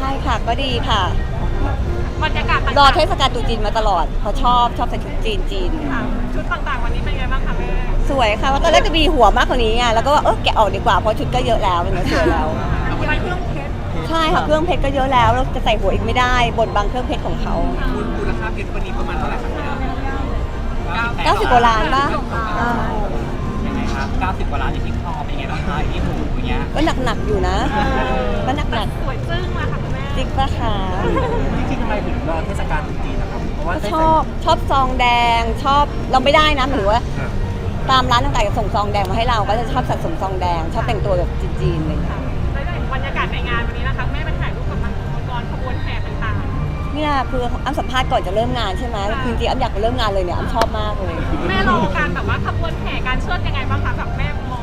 ช่ค่ะก็ดีค่ะบรรยากาศต่างๆรอเทศกาลตรุษจีนมาตลอดเขาชอบใส่ชุดจีนค่ะชุดต่างๆวันนี้เป็นไงบ้างคะแม่สวยค่ะว่าตอนแรกจะมีหัวมากกว่านี้ไงแล้วก็ว่าแกะออกดีกว่าเพราะชุดก็เยอะแล้วสวยแล้วอะไรเครื่องเพชรใช่ค่ะเครื่องเพชรก็เยอะแล้วเราจะใส่หัวอีกไม่ได้บนบังเครื่องเพชรของเขามูลค่าเพชรวันนี้ประมาณเท่าไหร่ครับพี่ 90 กว่าล้านป่ะยังไงครับ90 กว่าล้านอยู่ที่คอเป็นไงบ้างคะที่หูอย่างเงี้ยก็หนักอยู่นะก็หนักสวยจึ้งมาค่ะคุณแม่จริงปะคะจริงๆทำไมถึงรอเทศกาลตรุษจีนนะครับเพราะว่าชอบซองแดงชอบเราไม่ได้นะหมายถึงว่าตามร้านต่างๆจะส่งซองแดงมาให้เราก็จะชอบสะสมซองแดงชอบแต่งตัวแบบจีนๆอะไรอย่างเงี้ยบรรยากาศในงานวันนี้นะคะแม่ไปถ่ายรูปกับมังกรขบวนแห่ต่างๆเนี่ยคืออ้ำสัมภาษณ์ก่อนจะเริ่มงานใช่ไหมจริงๆอ้ำอยากไปเริ่มงานเลยเนี่ยอ้ำชอบมากเลยแม่รอการแบบว่าขบวนแห่การเชิดยังไงบ้างคะแบบแม่มอง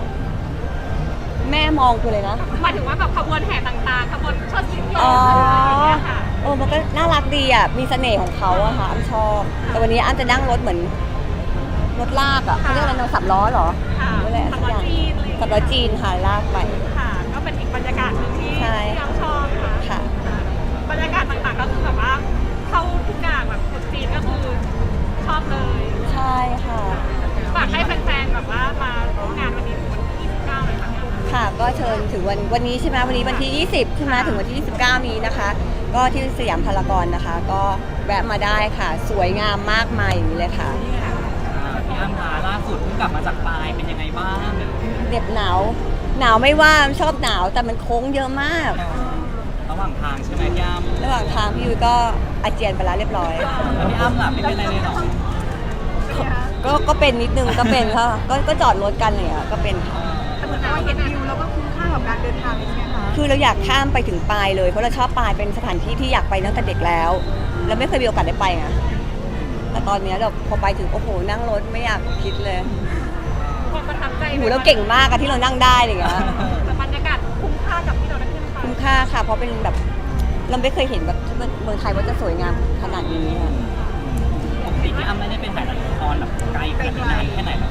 คือเลยนะหมายถึงว่าแบบขบวนแห่ต่างๆขบวนเชิดสิงโตอะไรอย่างเงี้ยค่ะมันก็น่ารักดีอ่ะมีเสน่ห์ของเขาอะค่ะอ้ำชอบแต่วันนี้อ้ำจะนั่งรถเหมือนรถลากอ่ะเขาเรียกอะไรนะ3 ล้อเหรอนั่นแหละ3 ล้อจีน 3 ล้อจีนค่ะลากไปค่ะก็เป็นอีกบรรยากาศหนึ่งที่อ้ำชอบค่ะบรรยากาศต่างๆก็คือแบบว่าเข้าทุกอย่างแบบคนจีนก็คือชอบเลยใช่ค่ะฝากให้แฟนๆแบบว่ามาร่วมงานวันนี้ถึงวันที่29เลยค่ะก็เชิญถึงวันนี้ใช่ไหมวันนี้วันที่20ใช่ไหมถึงวันที่29นี้นะคะก็ที่สยามพารากอนนะคะก็แวะมาได้ค่ะสวยงามมากมายอย่างนี้เลยค่ะพี่อ้ำคะล่าสุดเพิ่งกลับมาจากปายเป็นยังไงบ้างเด็บหนาวไม่ว่าชอบหนาวแต่มันโค้งเยอะมากระหว่างทางใช่ไหมพี่อ้ำระหว่างทางพี่ยุ้ยก็อาเจียนไปแล้วเรียบร้อยแล้วพี่อ้ำล่ะไม่เป็นอะไรเลยหรอก็เป็นนิดนึงก็เป็นค่ะก็จอดรถกันเลยก็เป็นค่ะแต่เหมือนว่าเห็นวิวแล้วก็คุ้มค่ากับการเดินทางใช่ไหมคะคือเราอยากข้ามไปถึงปายเลยเพราะเราชอบปายเป็นสถานที่ที่อยากไปตั้งแต่เด็กแล้วแล้วไม่เคยมีโอกาสได้ไปไงแต่ตอนนี้เราพอไปถึงโอ้โหนั่งรถไม่อยากคิดเลยความประทับใจเราเก่งมากอะที่เรานั่งได้อะไรเงี้ยแต่บรรยากาศคุ้มค่ากับที่เราได้ขึ้นไปคุ้มค่าค่ะเพราะเป็นแบบเราไม่เคยเห็นแบบเมืองไทยว่าจะสวยงามขนาดนี้ปกติพี่อ้ำไม่ได้เป็นถ่ายละครแบบไกลนานแค่ไหนหร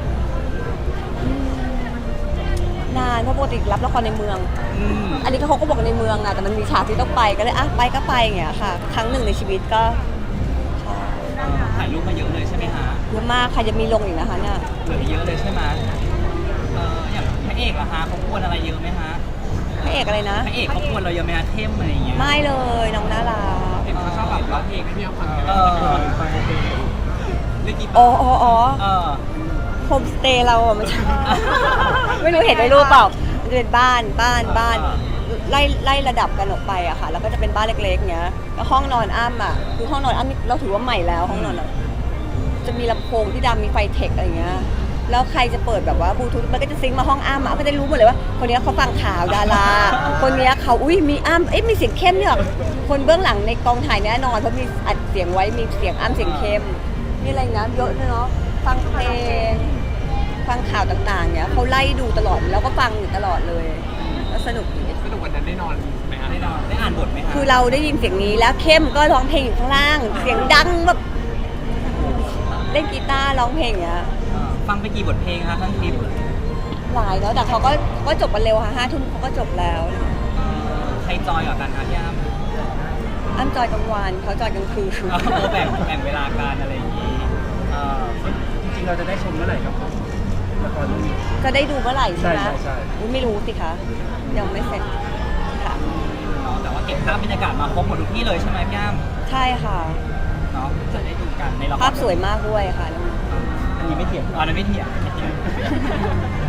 อนานเพราะปกติรับละครในเมืองอันนี้เขาก็บอกในเมืองอะแต่มันมีฉากที่ต้องไปก็เลยไปก็ไปอย่างเงี้ยค่ะครั้งหนึ่งในชีวิตก็ถ่ายรูปมาเยอะเลยใช่ไหมฮะเยอะมากค่ะจะมีลงอีกนะคะเนี่ยเหลือเยอะเลยใช่ไหมอย่างพระเอกอะฮะเขาควรอะไรเยอะไหมฮะพระเอกอะไรนะพระเอกเขาควรเราเยอะไหมฮะเทมอะไรอย่างเงี้ยไม่เลยน้องน่ารักเห็นเขาชอบแบบร้องเพลงไม่เอาฟังโฮมสเตย์เราอะมันไม่รู้เห็นในรูปเปล่ามันจะเป็นบ้านไล่ระดับกันออกไปอะค่ะแล้วก็จะเป็นบ้านเล็กๆเงี้ยแล้วห้องนอนอ้ำอะคือห้องนอนอ้ำเราถือว่าใหม่แล้วห้องนอนจะมีลำโพงที่ดำมีไฟเทคอะไรเงี้ยแล้วใครจะเปิดแบบว่าบลูทูธมันก็จะซิงค์มาห้องอ้ำก็จะรู้หมดเลยว่าคนนี้เขาฟังข่าวดาราคนนี้เขามีอ้ำมีเสียงเข้มเนี่ยคนเบื้องหลังในกองถ่ายแน่นอนเพราะมีอัดเสียงไว้มีเสียงอ้ำเสียงเข้มมีอะไรนะเยอะเลยเนาะฟังเพลงฟังข่าวต่างๆเนี่ยเขาไล่ดูตลอดแล้วก็ฟังอยู่ตลอดเลยแล้วสนุกวันนั้นได้นอนไหมฮะได้นอนได้อ่านบทไหมฮะคือเราได้ยินเสียงนี้แล้วเข้มก็ร้องเพลงอยู่ข้างล่างเสียงดังแบบเล่นกีตาร์ร้องเพลงอย่างเงี้ยฟังไปกี่บทเพลงคะทั้งทริปหลายแล้วแต่เขาก็จบกันเร็วค่ะ5 ทุ่มเขาก็จบแล้วใครจอยกว่ากันคะพี่อ้ำจอยกลางวันเขาจอยกลางคืนแบ่งเวลาการอะไรอย่างนี้จริงๆเราจะได้ชมเมื่อไหร่ครับละครเรื่องนี้จะได้ดูเมื่อไหร่ใช่ไหมใช่ไม่รู้สิคะยังไม่เสร็จค่ะแต่ว่าเก็บภาพบรรยากาศมาครบหมดทุกที่เลยใช่ไหมพี่อ้ำใช่ค่ะเนาะจะได้ดูกันในละครภาพสวยมากด้วยค่ะอันนี้ไม่เถียงอันนี้ไม่เถียง